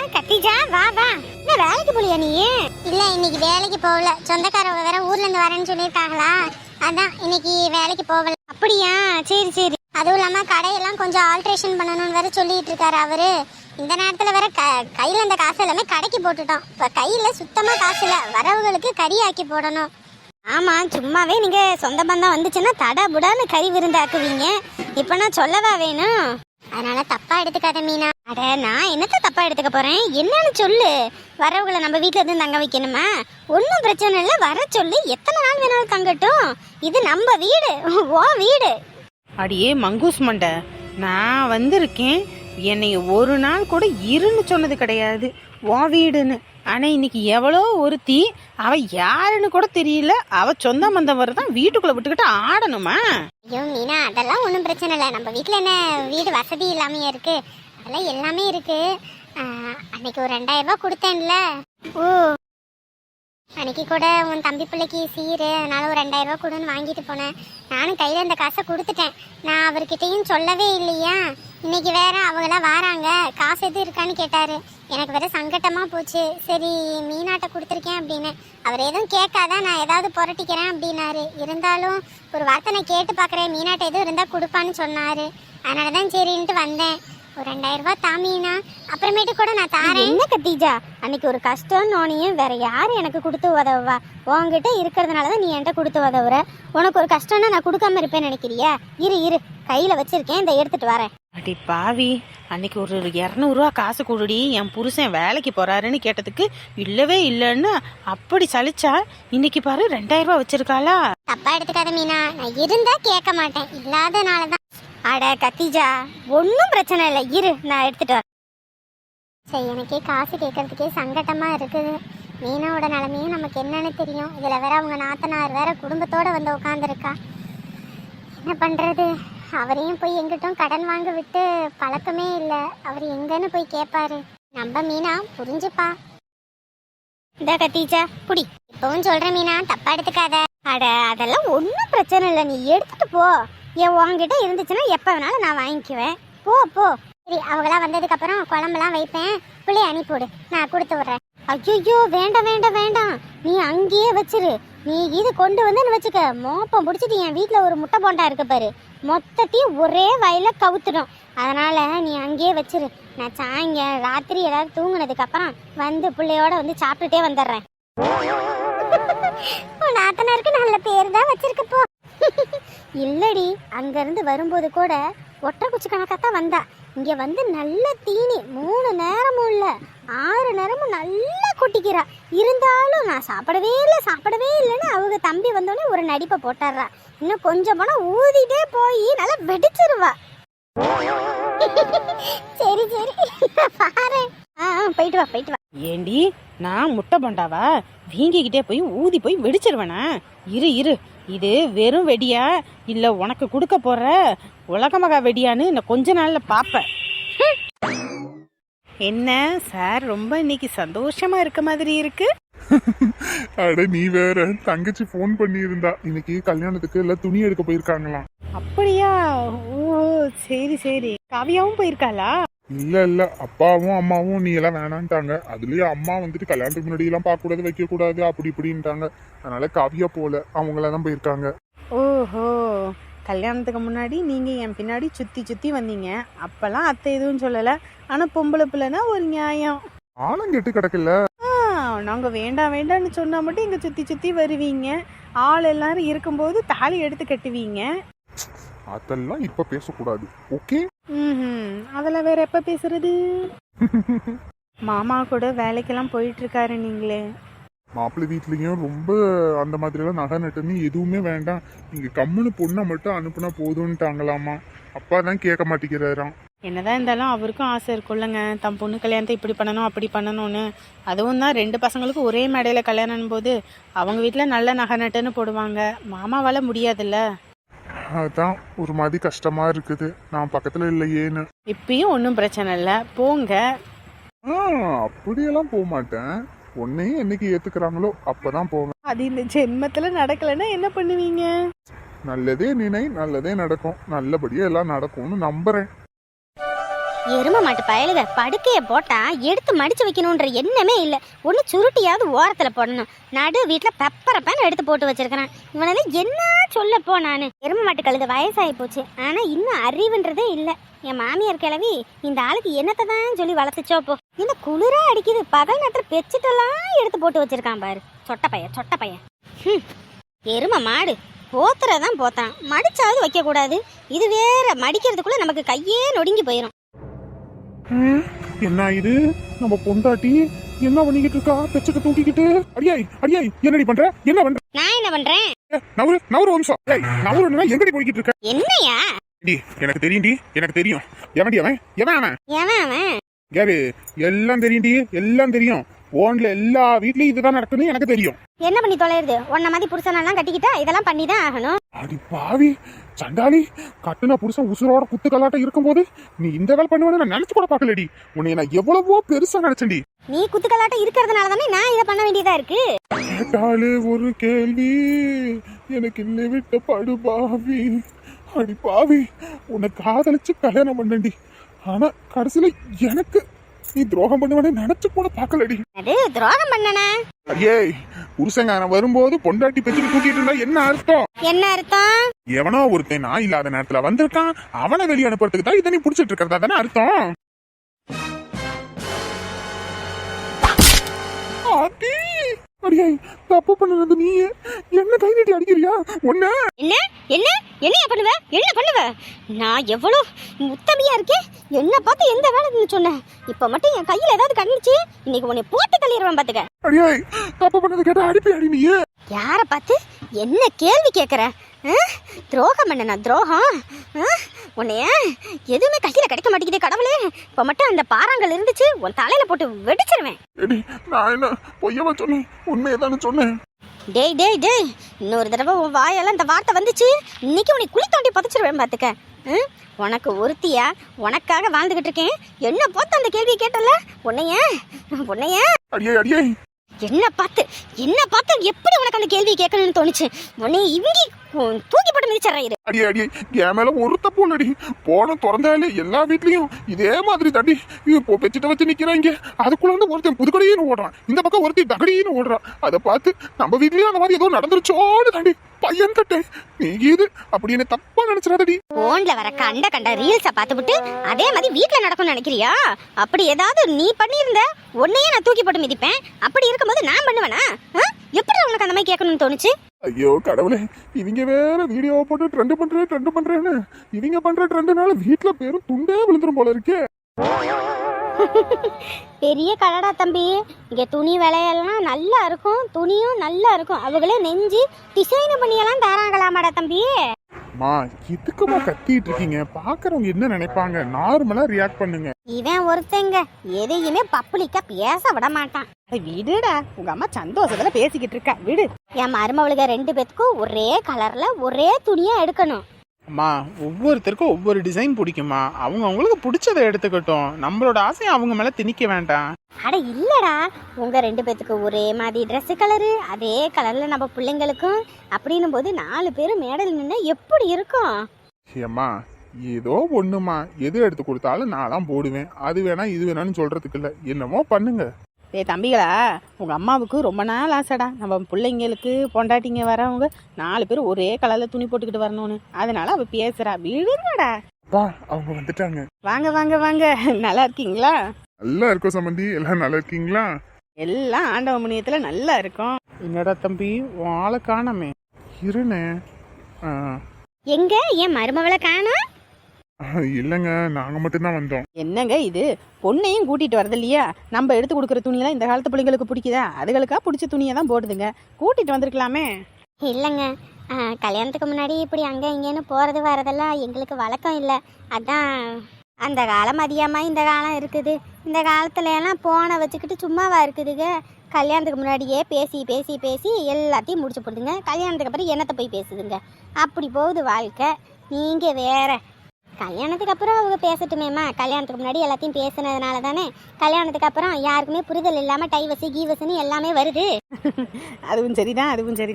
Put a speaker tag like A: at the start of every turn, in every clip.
A: கத்திஜா வா வா. என்ன வேலைக்கு போலியா நீ? இல்ல இன்னைக்கு வேலைக்கு போகல. சொந்தக்காரவங்க வேற ஊர்ல இருந்து வரேன்னு சொல்லியிருக்காங்களா, அதான் இன்னைக்கு வேலைக்கு போகல. அப்படியா, சரி சரி. அதுவும் இல்லாம கடையெல்லாம் கொஞ்சம் ஆல்ட்ரேஷன் பண்ணணும்னு வேற சொல்லிட்டு இருக்காரு அவரு. இந்த நேரத்துல வேற கையில இந்த காசு எல்லாமே கடைக்கு போட்டுட்டோம். இப்ப கையில சுத்தமா காசு இல்ல, வரவுகளுக்கு கறி ஆக்கி போடணும். ஆமா, சும்மாவே நீங்க சொந்த பந்தம் வந்துச்சுன்னா தடா புடான்னு கறி விருந்தாக்குவீங்க. இப்ப நான் சொல்லவா வேணும்? அதனால தப்பா எடுத்துக்காத மீனா. அட நான் என்னத்த தப்பா எடுத்துக்க போறேன், என்னன்னு சொல்லு. வரவங்களை நம்ம வீட்டுல இருந்து தங்க வைக்கணுமா? ஒன்னும் பிரச்சனை இல்லை, வர சொல்லு. எத்தனை நாள் வேணாலும் தங்கட்டும். இது நம்ம வீடு, ஓ வீடு.
B: அடியே மங்கூஸ் மண்டை, நான் வந்திருக்கேன். என்னை ஒரு நாள் கூட இருன்னு சொன்னது கிடையாது உன் வீடுன்னு. ஆனால் இன்னைக்கு எவ்வளோ ஒருத்தி, அவ யாருன்னு கூட தெரியல, அவ சொந்த பந்தம் வரதான் வீட்டுக்குள்ள விட்டுக்கிட்டு ஆடணுமா?
A: ஐயோ மீனா, அதெல்லாம் ஒன்றும் பிரச்சனை இல்லை. நம்ம வீட்டில் என்ன வீடு வசதி இல்லாமையே இருக்கு? அதெல்லாம் எல்லாமே இருக்கு. அன்னைக்கு ஒரு 2000 ரூபாய் கொடுத்தேன்ல. ஓ, அன்னைக்கு கூட உன் தம்பி பிள்ளைக்கு சீரு, அதனால ஒரு 2000 ரூபாய் கொடுன்னு வாங்கிட்டு போனேன். நானும் கையில் இந்த காசை கொடுத்துட்டேன். நான் அவர்கிட்டையும் சொல்லவே இல்லையா. இன்னைக்கு வேற அவங்களாம் வராங்க, காசு எதுவும் இருக்கான்னு கேட்டாரு. எனக்கு வேற சங்கட்டமா போச்சு. சரி மீனாட்ட கொடுத்துருக்கேன் அப்படின்னு. அவர் எதுவும் கேட்காதான் நான் ஏதாவது புரட்டிக்கிறேன் அப்படின்னாரு. இருந்தாலும் ஒரு வார்த்தை நான் கேட்டு பார்க்குறேன், மீனாட்ட எதுவும் இருந்தால் கொடுப்பான்னு சொன்னாரு. அதனால தான் சரின்ட்டு வந்தேன். ஒரு 2000 ரூபாய் தாமீனா, அப்புறமேட்டு கூட நான் தாரேன். என்ன கத்தீஜா, அன்னைக்கு ஒரு கஷ்டம் நோனியும் வேற யாரு எனக்கு கொடுத்து உதவுவா? உங்ககிட்ட இருக்கிறதுனாலதான் நீ என்கிட்ட கொடுத்து உதவுற. உனக்கு ஒரு கஷ்டம்னா நான் கொடுக்காம இருப்பேன்னு நினைக்கிறியா? இரு கையில வச்சிருக்கேன், இந்த எடுத்துட்டு வரேன்.
B: அடி பாவி, அன்னைக்கு ஒரு 200 ரூபா காசு கொடுடி, என் புருஷன் வேலைக்கு போறாருன்னு கேட்டதுக்கு இல்லவே இல்லைன்னு அப்படி சலிச்சா, இன்னைக்கு பாரு 2000 ரூபா வச்சிருக்காளா?
A: தப்பா எடுத்துக்காத மீனா, நான் இருந்தா கேட்க மாட்டேன், இல்லாதனாலதான். அட கத்திஜா, ஒன்றும் பிரச்சனை இல்லை, இரு நான் எடுத்துட்டு வரேன். சரி, எனக்கே காசு கேட்கறதுக்கே சங்கட்டமா இருக்குது. மீனாவோட நிலைமையும் நமக்கு என்னன்னு தெரியும். இதுல வேற அவங்க நாத்தனார் வேற குடும்பத்தோட வந்து உட்காந்துருக்கா. என்ன பண்றது? அவரையும் போய் எங்கிட்டும் கடன் வாங்க விட்டு பழக்கமே இல்லை. அவர் எங்கன்னு போய் கேட்பாரு. நம்ம மீனா புரிஞ்சுப்பா. இந்த கத்திஜா புடி. இப்பவும் சொல்ற மீனா, தப்பா எடுத்துக்காத. அட அதெல்லாம் ஒன்றும் பிரச்சனை இல்லை, நீ எடுத்துட்டு போ. என் உங்ககிட்ட இருந்துச்சுன்னா எப்போ வேணாலும் நான் வாங்கிக்குவேன். போ போ. சரி, அவங்களாம் வந்ததுக்கு அப்புறம் குழம்புலாம் வைப்பேன், பிள்ளைய அனுப்பிவிடு, நான் கொடுத்து விட்றேன். ஐயோ வேண்டாம் வேண்டாம் வேண்டாம், நீ அங்கேயே வச்சிரு. நீ இது கொண்டு வந்துன்னு வச்சுக்க, மோப்பம் பிடிச்சிட்டு என் வீட்டில் ஒரு முட்டை போண்டா இருக்கு பாரு, மொத்தத்தையும் ஒரே வயல கவுத்துடும். அதனால நீ அங்கேயே வச்சிரு. நான் சாயங்காலம் ராத்திரி ஏதாவது தூங்குனதுக்கு அப்புறம் வந்து பிள்ளையோட வந்து சாப்பிட்டுட்டே வந்துடுறேன். நாத்தனாருக்கு நல்ல பேர் தான் வச்சிருக்க போ. இல்லடி, அங்கிருந்து வரும்போது கூட ஒற்றை குச்சி கணக்காத்தான் வந்தா. இங்க வந்து நல்ல தீனி, 3 நேரமும் இல்ல 6 நேரமும் நல்லா கொட்டிக்கிறா. இருந்தாலும் நான் சாப்பிடவே இல்லைன்னு அவங்க தம்பி வந்தோடனே ஒரு நடிப்பை போட்டுறா. இன்னும் கொஞ்சம் போனா ஊதிட்டே போய் நல்லா வெடிச்சிருவா. சரி பாரு. போயிட்டு வா.
B: ஏண்டி, நான் முட்டை பண்டாவா? வீங்கிக்கிட்டே போய் ஊதி போய் வெடிச்சிருவேனா? இரு, இது வெறும் வெடியா இல்ல உனக்கு கொடுக்க போற உலகமகா வெடியான்னு நான் கொஞ்ச நாள்ல பாப்பேன். என்ன சார், ரொம்ப இன்னைக்கு சந்தோஷமா இருக்க மாதிரி இருக்கு.
C: அட நீ வேற, தங்கச்சி போன் பண்ணி இருந்தா, இன்னைக்கு கல்யாணத்துக்கு எல்லாம் துணி எடுக்க போயிருக்காங்களாம்.
B: அப்படியா? ஓ சரி. காவியாவும் போயிருக்காளா?
C: இல்ல அப்பாவும் அம்மாவும் நீ எல்லாம் வேணான்ட்டாங்க. அதுலயும் அம்மா வந்துட்டு கல்யாணத்துக்கு முன்னாடி எல்லாம் பார்க்க கூடாது, வைக்க கூடாது அப்படி இப்படின்ட்டாங்க. அதனால காவியா போல, அவங்களதான் போயிருக்காங்க.
B: ஓஹோ, கல்யாணத்துக்கு முன்னாடி நீங்க என் பின்னாடி சுத்தி வந்தீங்க, அப்பெல்லாம் அத்தை எதுவும் சொல்லல. ஆனா பொம்பளை பிள்ளைனா ஒரு நியாயம்.
C: ஆளும் கெட்டு கிடக்கல.
B: நாங்க வேண்டாம்னு சொன்னா மட்டும் இங்க சுத்தி வருவீங்க. ஆள் எல்லாரும் இருக்கும்போது தாலி எடுத்து கட்டுவீங்க.
C: அதெல்லாம் இப்ப பேசக்கூடாது, ஓகே?
B: அதெல்லாம் வேற எப்ப பேசுறது? மாமா கூட வேலைக்கெல்லாம் போயிட்டு இருக்காரு நீங்களே.
C: மாப்பிள்ளை வீட்லயும் ரொம்ப அந்த மாதிரி எல்லாம் நகை நட்டுன்னு எதுவுமே வேண்டாம், நீங்க கம்முன்னு பொண்ணை மட்டும் அனுப்புனா போதும்ட்டாங்களாமா. அப்பா தான் கேட்க மாட்டேங்கிறாராம்.
B: என்னதான் இருந்தாலும் அவருக்கும் ஆசை இருக்குல்லங்க, தம் பொண்ணு கல்யாணத்தை இப்படி பண்ணணும் அப்படி பண்ணணும்னு. அதுவும் தான் 2 பசங்களுக்கும் ஒரே மேடையில கல்யாணம் போது அவங்க வீட்டுல நல்ல நகை நட்டுன்னு போடுவாங்க. மாமாவால முடியாதுல்ல.
C: அதான் ஒரு மாதிரி கஷ்டமா இருக்குது, நான் பக்கத்துல இல்லையேன்னு.
B: இப்பயும் ஒன்றும் பிரச்சனை இல்லை, போங்க.
C: அப்படியெல்லாம் போக மாட்டேன், உன்னையும் என்னைக்கு ஏத்துக்கிறாங்களோ அப்பதான் போவேன்.
B: அது இந்த ஜென்மத்துல நடக்கலன்னா என்ன பண்ணுவீங்க?
C: நல்லதே நினை, நல்லதே நடக்கும், நல்லபடியா எல்லாம் நடக்கும்னு நம்புறேன்.
A: எரும மாட்டு பயலுக படுக்கையை போட்டா எடுத்து மடிச்சு வைக்கணுன்ற எண்ணமே இல்லை. ஒன்று சுருட்டியாவது ஓரத்தில் போடணும். நடு வீட்டில் பெப்பரை பேன் எடுத்து போட்டு வச்சிருக்கிறேன். இவனால என்ன சொல்லப்போ நான். எரும மாட்டு கழுத வயசாகி போச்சு, ஆனால் இன்னும் அறிவுன்றதே இல்லை. என் மாமியார் கிளவி இந்த ஆளுக்கு என்னத்தை தான் சொல்லி வளர்த்துச்சோ போ. இந்த குளிரா அடிக்குது, பகல் நேரத்தில் பெச்சிட்டெல்லாம் எடுத்து போட்டு வச்சிருக்கான் பாரு. சொட்ட பையன். எரும மாடு போத்துறதான் போத்தான், மடிச்சாவது வைக்க கூடாது. இது வேற, மடிக்கிறதுக்குள்ள நமக்கு கையே நொடுங்கி போயிடும்.
C: என்ன இது நம்ம பொண்டாட்டி என்ன பண்ணிக்கிட்டு இருக்கா? பெச்சத்தை தூக்கிக்கிட்டு. அடியாய் என்னடி பண்ற? என்ன பண்ற?
A: நான் என்ன பண்றேன்?
C: நவரு வம்சம். நவருன்னா எங்கடி போய்கிட்டு இருக்க?
A: என்னையா?
C: எனக்கு தெரியும். எவன்டி அவன்?
A: அவன்
C: யாரு? எல்லாம் தெரியும். போன்ல எல்லா வீட்லயும் இதுதான் நடக்குன்னு எனக்கு தெரியும்.
A: என்ன பண்ணி தொலைறது? உன்ன மாதிரி புருஷனெல்லாம் கட்டிக்கிட்டா இதெல்லாம் பண்ணிதான் ஆகணும்.
C: அடி பாவி சண்டாளி, கட்டுன புருஷன் உசுரோட குத்து கலாட்டம் இருக்கும்போது நீ இந்த வேலை பண்ணுவேன்னு நான் நினைச்சு கூட பாக்கலடி. உன்னை நான் எவ்வளவோ பெருசா நினைச்சேன்டி.
A: நீ குத்து கலாட்டம் இருக்கிறதுனால தானே நான் இதை பண்ண வேண்டியதா இருக்கு.
C: கேட்டாலே ஒரு கேள்வி எனக்கு இல்லை விட்ட படு பாவி. அடி பாவி, உன்னை காதலிச்சு கல்யாணம் பண்ணண்டி. ஆனா கடைசியில எனக்கு நீ துரோகம் பண்ணுவனே நினைச்சு கூட பாக்கலடி.
A: அது துரோகம் பண்ணனா?
C: அடியே, புருஷங்காரன் வரும்போது பொண்டாட்டி பெச்சுட்டு தூக்கிட்டு இருந்தா என்ன அர்த்தம்?
A: என்ன அர்த்தம்?
C: எவனோ ஒருத்தன் நான் இல்லாத நேரத்துல வந்திருக்கான், அவனை வெளியே அனுப்புறதுக்கு தான் இதை நீ புடிச்சிட்டு இருக்கிறதா தானே அர்த்தம்? அடியே, தப்பு பண்ணது நீ என்ன கை நீட்டி அடிக்கிறியா? ஒண்ணு
A: என்ன பண்ணுவ? நான் எவ்வளவு உத்தமையா இருக்கேன். என்ன பார்த்து எந்த வேலை சொன்னேன்? இப்ப மட்டும் என் கையில ஏதாவது கண்ணுச்சு, இன்னைக்கு உன்னை போட்டு தள்ளிடுவேன் பாத்துக்க.
C: அடியே, தப்பு பண்ணது கேட்டா அடிப்பி அடி. நீ
A: யார பார்த்து என்ன கேள்வி கேட்குற? துரோகம் பண்ணனா? துரோகம் உன்னைய எதுவுமே கையில கிடைக்க மாட்டேங்குது கடவுளே. இப்ப மட்டும் அந்த பாறாங்கல் இருந்துச்சு, உன் தலையில போட்டு வெடிச்சிருவேன்.
C: நான் என்ன பொய்யவா சொன்னேன்? உண்மையதானு சொன்னேன்.
A: டேய் இன்னொரு தடவை உன் வாயெல்லாம் இந்த வார்த்தை வந்துச்சு, இன்னைக்கு உன்னை குழி தோண்டி புதைச்சிருவேன் பாத்துக்க. உனக்கு ஒருத்தியா உனக்காக வாழ்ந்துகிட்டு இருக்கேன். என்ன பார்த்து அந்த கேள்வியை கேட்டல? உன்னைய
C: அடியே
A: என்ன பார்த்து எப்படி உனக்கு அந்த கேள்வி கேட்கணும்னு தோணுச்சு? உன்னை இவங்கி தூக்கி போட்டு மிதிச்சறாயிரு.
C: அடியே என் மேல ஒரு தப்பு இல்லடி. போன திறந்தாலே எல்லா வீட்லயும் இதே மாதிரி தட்டி இப்போ பெச்சிட்ட வச்சு நிக்கிறாங்க. அதுக்குள்ள வந்து ஒருத்தன் புதுக்கடையின்னு ஓடுறான், இந்த பக்கம் ஒருத்தி தகடின்னு ஓடுறான். அதை பார்த்து நம்ம வீட்லயும் அந்த மாதிரி ஏதோ நடந்துருச்சோன்னு தாண்டி பையன் தட்டேன். நீ இது அப்படின்னு தப்பா நினைச்சிடாதடி.
A: போன்ல வர கண்ட ரீல்ஸ பார்த்துவிட்டு அதே மாதிரி வீட்டுல நடக்கும்னு நினைக்கிறியா? அப்படி ஏதாவது நீ பண்ணியிருந்த உன்னையே நான் தூக்கி போட்டு மிதிப்பேன். அப்படி இருக்கும்போது நான் பண்ணுவேனா? எப்படி உனக்கு அந்த மாதிரி கேட்கணும்னு தோணுச்சு?
C: ஐயோ கடவுளே, இவங்க வேற வீடியோ போட்டு ட்ரெண்ட் பண்றேன்னு இவங்க பண்ற ட்ரெண்ட்னால வீட்டுல பேரும் துண்டே விழுந்துரும் போல இருக்கே.
A: பெரிய கடடா தம்பி, இங்க துணி விலையெல்லாம் நல்லா இருக்கும், துணியும் நல்லா இருக்கும். அவங்களே நெஞ்சு டிசைன் பண்ணியெல்லாம் தராங்களாமாடா தம்பி.
C: மா இதுக்குமா கத்திட்டு இருக்கீங்க? பாக்குறவங்க என்ன நினைப்பாங்க? நார்மலா ரியாக்ட் பண்ணுங்க.
A: இவன் ஒருத்தங்க எதையுமே பப்ளிக்கா பேச விட மாட்டான்.
B: விடுடா, உங்க அம்மா சந்தோஷத்துல பேசிக்கிட்டு இருக்கா, விடு.
A: என் மருமவளுக 2 பேத்துக்கும் ஒரே கலர்ல ஒரே துணியா எடுக்கணும்.
D: அம்மா, ஒவ்வொருத்தருக்கும் ஒவ்வொரு டிசைன் பிடிக்குமா. அவங்களுக்கு பிடிச்சதை எடுத்துக்கட்டும். நம்மளோட ஆசையை அவங்க மேல திணிக்க வேண்டாம்.
A: அட இல்லடா, உங்க 2 பேத்துக்கு ஒரே மாதிரி ட்ரெஸ் கலரு, அதே கலர்ல நம்ம பிள்ளைங்களுக்கும் அப்படின்னும் போது 4 பேரும் மேடல் நின்னா எப்படி இருக்கும்?
C: ஏம்மா ஏதோ ஒண்ணுமா, எது எடுத்து கொடுத்தாலும் நான் தான் போடுவேன். அது வேணா இது வேணான்னு சொல்றதுக்கு இல்ல, என்னமோ பண்ணுங்க.
B: தம்பிகளா, உங்க அம்மாவுக்கு ரொம்ப நாள் ஆசைடா, நம்ம பிள்ளைங்களுக்கு பொண்டாட்டிங்க வரவங்க 4 பேரும் ஒரே கலர்ல துணி போட்டுக்கிட்டு வரணும்னு. அதனால அவ பேசுறா, விடுங்கடா.
C: அவங்க வந்துட்டாங்க.
B: வாங்க, நல்லா இருக்கீங்களா?
C: நல்லா இருக்கும் சம்பந்தி, எல்லாம் நல்லா இருக்கீங்களா?
B: எல்லாம் ஆண்டவ முனியத்துல நல்லா இருக்கும்.
D: என்னடா தம்பி, உன் ஆளை காணமே.
C: இருனே.
A: எங்க என் மருமவளை காணோம்?
C: இல்லங்க, நாங்க மட்டும்தான் வந்தோம்.
B: என்னங்க இது, பொண்ணையும் கூட்டிட்டு வரது இல்லையா? நம்ம எடுத்து கொடுக்குற துணியெல்லாம் இந்த காலத்து பிள்ளைங்களுக்கு பிடிக்குதா? அதுகளுக்கா பிடிச்ச துணியை தான் போடுதுங்க. கூட்டிட்டு வந்திருக்கலாமே.
A: இல்லைங்க, கல்யாணத்துக்கு முன்னாடி இப்படி அங்கே இங்கேன்னு போகிறது வரதெல்லாம் எங்களுக்கு வழக்கம் இல்லை. அதான் அந்த காலம் அதிகமாக இந்த காலம் இருக்குது. இந்த காலத்துல எல்லாம் போனை வச்சுக்கிட்டு சும்மாவா இருக்குதுங்க. கல்யாணத்துக்கு முன்னாடியே பேசி எல்லாத்தையும் முடிச்சு போடுதுங்க. கல்யாணத்துக்கு அப்புறம் என்னத்தை போய் பேசுதுங்க. அப்படி போகுது வாழ்க்கை. நீங்கள் வேற. கல்யாணத்துக்கு அப்புறம் அவங்க பேசட்டுமேம்மா. கல்யாணத்துக்கு முன்னாடி எல்லாத்தையும் பேசுனதுனால தானே கல்யாணத்துக்கு அப்புறம் யாருக்குமே புரிதல் இல்லாமல் டைவர்ஸு கீவர்ஸ்ன்னு எல்லாமே வருது.
B: அதுவும் சரிதான்.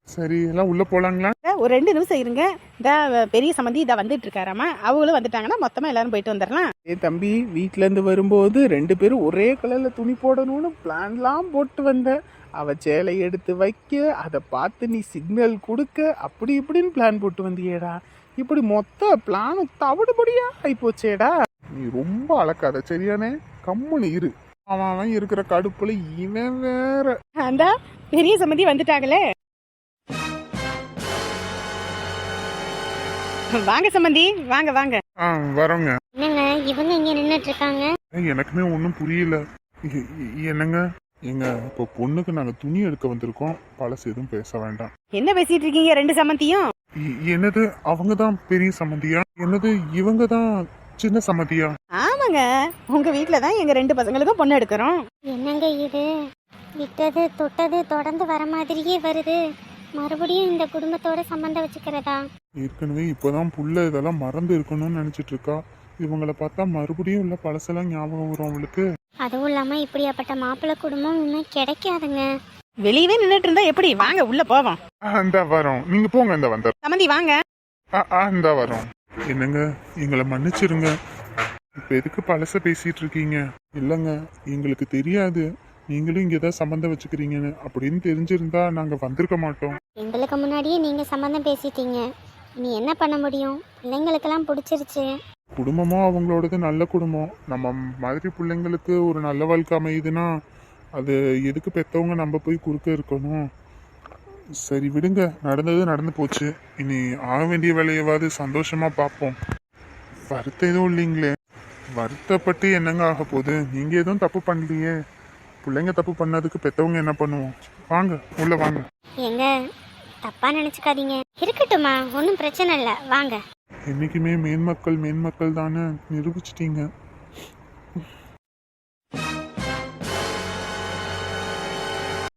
C: சரி எல்லாம் உள்ள போலாங்களா?
B: ஒரு 2 நிமிஷம் இருங்க. இந்த பெரிய சம்மந்தி இதை வந்துட்டு இருக்காராமா, அவங்களும் வந்துட்டாங்கன்னா மொத்தமா எல்லாரும் போயிட்டு வந்துடலாம்.
D: தம்பி, வீட்ல இருந்து வரும்போது 2 பேரும் ஒரே கலர்ல துணி போடணும்னு பிளான்லாம் போட்டு வந்த. அவ சேலை எடுத்து வைக்க, அதை பார்த்து நீ சிக்னல் கொடுக்க, அப்படி இப்படின்னு பிளான் போட்டு வந்தியேடா. இப்படி மொத்த பிளானும் தவிடுபடியா ஆயிப்போச்சேடா.
C: நீ ரொம்ப அளக்காத சரியானே, கம்முன்னு இரு. அவன் இருக்கிற கடுப்புல இவன் வேற.
B: அந்த பெரிய சம்மந்தி வந்துட்டாங்களே. வாங்க சம்மந்தி, வாங்க வாங்க.
C: வரோங்க.
A: என்னங்க இவங்க இங்க நின்னுட்டு இருக்காங்க?
C: எனக்குமே ஒன்றும் புரியல. என்னங்க எங்க இப்போ பொண்ணுக்கு நாங்க துணி எடுக்க வந்திருக்கோம், பழசு எதுவும் பேச வேண்டாம்.
B: என்ன பேசிட்டு இருக்கீங்க 2 சம்மந்தியும்?
C: என்னது அவங்க தான் பெரிய சம்மந்தியா? என்னது இவங்க தான் சின்ன சம்மந்தியா?
B: ஆமாங்க, உங்க வீட்ல தான் எங்க 2 பசங்களுக்கும் பொண்ணு எடுக்கிறோம்.
A: என்னங்க இது, விட்டது தொட்டது தொடர்ந்து வர மாதிரியே வருது. மறுபடியும் இந்த குடும்பத்தோட சம்பந்தம் வச்சுக்கிறதா?
C: ஏற்கனவே இப்போதான் புள்ள இதெல்லாம் மறந்து இருக்கணும்னு நினைச்சிட்டு இருக்கா. இவங்களை பார்த்தா மறுபடியும் உள்ள பழசெல்லாம் ஞாபகம் வரும் அவளுக்கு.
A: அதுவும் இல்லாம இப்படியாப்பட்ட மாப்பிள்ளை குடும்பம் இன்னும் கிடைக்காதுங்க.
B: வெளியவே நின்னுட்டு இருந்தா எப்படி? வாங்க உள்ள போவோம்.
C: இந்த வரோம், நீங்க போங்க. இந்த வந்த
B: சம்மந்தி வாங்க.
C: இந்த வரோம். என்னங்க எங்களை மன்னிச்சிருங்க. இப்ப எதுக்கு பழச பேசிட்டு இருக்கீங்க? இல்லங்க எங்களுக்கு தெரியாது நீங்களும் இங்க ஏதாவது சம்பந்தம் வச்சுக்கிறீங்கன்னு. அப்படின்னு தெரிஞ்சிருந்தா நாங்க வந்திருக்க மாட்டோம்.
A: எங்களுக்கு முன்னாடியே நீங்க சம்பந்தம் பேசிட்டீங்க, இனி என்ன பண்ண முடியும்? பிள்ளைங்களுக்கெல்லாம் பிடிச்சிருச்சு.
C: குடும்பமும் அவங்களோடது நல்ல குடும்பம். நம்ம மாதிரி பிள்ளைங்களுக்கு ஒரு நல்ல வாழ்க்கை அமையுதுன்னா அது எதுக்கு பெற்றவங்க நம்ம போய் குறுக்க இருக்கணும்? சரி விடுங்க, நடந்தது நடந்து போச்சு. இனி ஆக வேண்டிய வேலையவாது சந்தோஷமா பார்ப்போம். வருத்தம் எதுவும் இல்லைங்களே. வருத்தப்பட்டு என்னங்க ஆக போகுது? நீங்க எதுவும் தப்பு பண்ணலையே. பிள்ளைங்க தப்பு பண்ணதுக்கு பெற்றவங்க என்ன பண்ணுவோம்? வாங்க உள்ள வாங்க.
A: எங்க தப்பா நினைச்சுக்காதீங்க. இருக்கட்டுமா, ஒன்றும் பிரச்சனை இல்லை, வாங்க.
C: என்னைக்குமே மேன்மக்கள் தானே நிரூபிச்சிட்டீங்க.